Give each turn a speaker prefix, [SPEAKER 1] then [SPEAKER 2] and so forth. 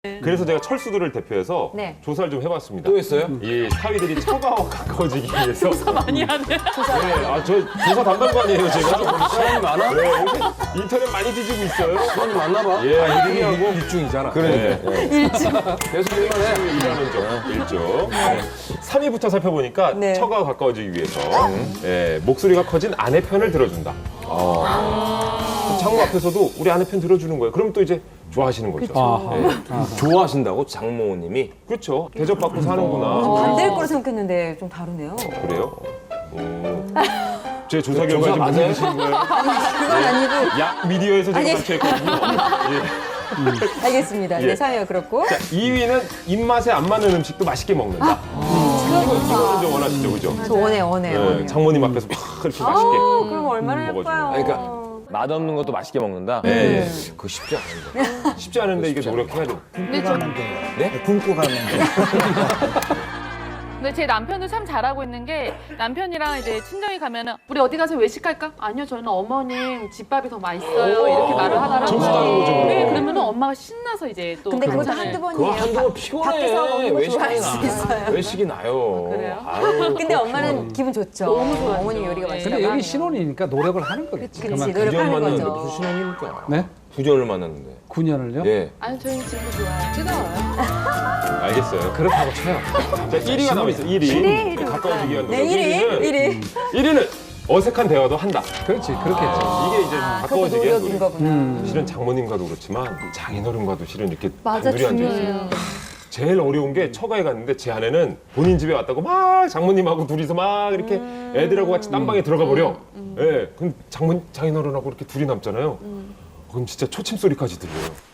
[SPEAKER 1] 그래서 제가 철수들을 대표해서
[SPEAKER 2] 네.
[SPEAKER 1] 조사를 좀 해봤습니다.
[SPEAKER 3] 또 했어요?
[SPEAKER 1] 이 사위들이 처가와 가까워지기 위해서. 조사
[SPEAKER 4] 많이 하네.
[SPEAKER 1] 네, 저 조사 담당관이에요, 제가.
[SPEAKER 3] 사람이 많아?
[SPEAKER 1] 네, 요새 인터넷 많이 뒤지고 있어요.
[SPEAKER 3] 사람이 많나 봐.
[SPEAKER 1] 예,
[SPEAKER 3] 아이들이 하고
[SPEAKER 1] 일중이잖아.
[SPEAKER 3] 그러니까. 계속 일만 해.
[SPEAKER 1] 일하는 점, 일종. 3위부터 살펴보니까
[SPEAKER 2] 네.
[SPEAKER 1] 처가와 가까워지기 위해서 목소리가 커진 아내 편을 들어준다. 장모 앞에서도 우리 아내 편 들어주는 거예요. 그럼 또 이제 좋아하시는 거죠.
[SPEAKER 3] 좋아하신다고 장모님이?
[SPEAKER 1] 그렇죠. 대접받고 사는구나.
[SPEAKER 2] 반대일 거로 생각했는데 좀 다르네요.
[SPEAKER 1] 그래요? 제 조사 결과 지금 무슨 뜻인 거예요?
[SPEAKER 2] 그건 아니고.
[SPEAKER 1] 약 미디어에서 제가
[SPEAKER 2] 아니.
[SPEAKER 1] 발표했거든요. 예.
[SPEAKER 2] 알겠습니다.
[SPEAKER 1] 예.
[SPEAKER 2] 네, 3위가 그렇고.
[SPEAKER 1] 자, 2위는 입맛에 안 맞는 음식도 맛있게 먹는다. 이거는 좀 원하시죠, 그죠?
[SPEAKER 2] 저 원해요.
[SPEAKER 1] 네, 장모님 앞에서 막 이렇게 맛있게.
[SPEAKER 2] 그럼 얼마나
[SPEAKER 1] 먹어주는
[SPEAKER 2] 예뻐요.
[SPEAKER 1] 거.
[SPEAKER 3] 그러니까 맛없는 것도 맛있게 먹는다?
[SPEAKER 1] 네.
[SPEAKER 3] 그거 쉽지 않은데.
[SPEAKER 1] 쉽지 않은데 이게 노력해야 돼.
[SPEAKER 5] 굶고 가는데.
[SPEAKER 4] 근데 제 남편도 참 잘하고 있는 게 남편이랑 이제 친정에 가면은 우리 어디 가서 외식할까? 아니요, 저는 어머님 집밥이 더 맛있어요. 이렇게 말을 하더라고요.
[SPEAKER 1] 점수 따는 거죠, 그럼.
[SPEAKER 4] 네, 그러면은 엄마가 신나서 이제 또.
[SPEAKER 2] 근데 그것도
[SPEAKER 4] 그렇잖아요.
[SPEAKER 2] 한두
[SPEAKER 3] 그거
[SPEAKER 2] 번이에요.
[SPEAKER 3] 한두 번
[SPEAKER 2] 밖에서 먹는
[SPEAKER 3] 피곤해.
[SPEAKER 2] 거
[SPEAKER 3] 외식이
[SPEAKER 2] 좋아할 수
[SPEAKER 3] 나.
[SPEAKER 2] 있어요.
[SPEAKER 3] 외식이 나요.
[SPEAKER 4] 그래요?
[SPEAKER 3] 아유,
[SPEAKER 2] 근데 엄마는 기분 좋죠.
[SPEAKER 4] 너무 좋아하죠.
[SPEAKER 2] 어머님 요리가
[SPEAKER 4] 네.
[SPEAKER 2] 맛있다고
[SPEAKER 5] 근데 여기
[SPEAKER 2] 하면.
[SPEAKER 5] 신혼이니까 노력을 하는 거겠지.
[SPEAKER 2] 그치,
[SPEAKER 5] 그만큼.
[SPEAKER 2] 노력하는
[SPEAKER 3] 9년 만났는데
[SPEAKER 2] 거죠.
[SPEAKER 3] 무슨 신혼입니까?
[SPEAKER 5] 네?
[SPEAKER 3] 9년을 만났는데.
[SPEAKER 5] 9년을요?
[SPEAKER 3] 예.
[SPEAKER 4] 아니, 저희는 지금도 좋아요. 뜨거워요.
[SPEAKER 1] 알겠어요.
[SPEAKER 5] 그렇다고 쳐요.
[SPEAKER 1] 자, 1위가 남아있어, 1위. 가까워지기 위한 노력.
[SPEAKER 2] 네, 1위.
[SPEAKER 1] 1위는 어색한 대화도 한다.
[SPEAKER 5] 그렇지, 그렇겠죠.
[SPEAKER 1] 이게 이제
[SPEAKER 2] 그것도
[SPEAKER 1] 가까워지기 위한
[SPEAKER 2] 노력인
[SPEAKER 1] 노력.
[SPEAKER 2] 거구나.
[SPEAKER 1] 실은 장모님과도 그렇지만 장인어른과도 실은 이렇게
[SPEAKER 4] 맞아,
[SPEAKER 1] 단둘이 앉아 있어요.
[SPEAKER 4] 중요해요.
[SPEAKER 1] 제일 어려운 게 처가에 갔는데 제 아내는 본인 집에 왔다고 막 장모님하고 둘이서 막 이렇게 애들하고 같이 딴방에 들어가 버려. 예, 그럼 장인어른하고 이렇게 둘이 남잖아요. 그럼 진짜 초침 소리까지 들려요.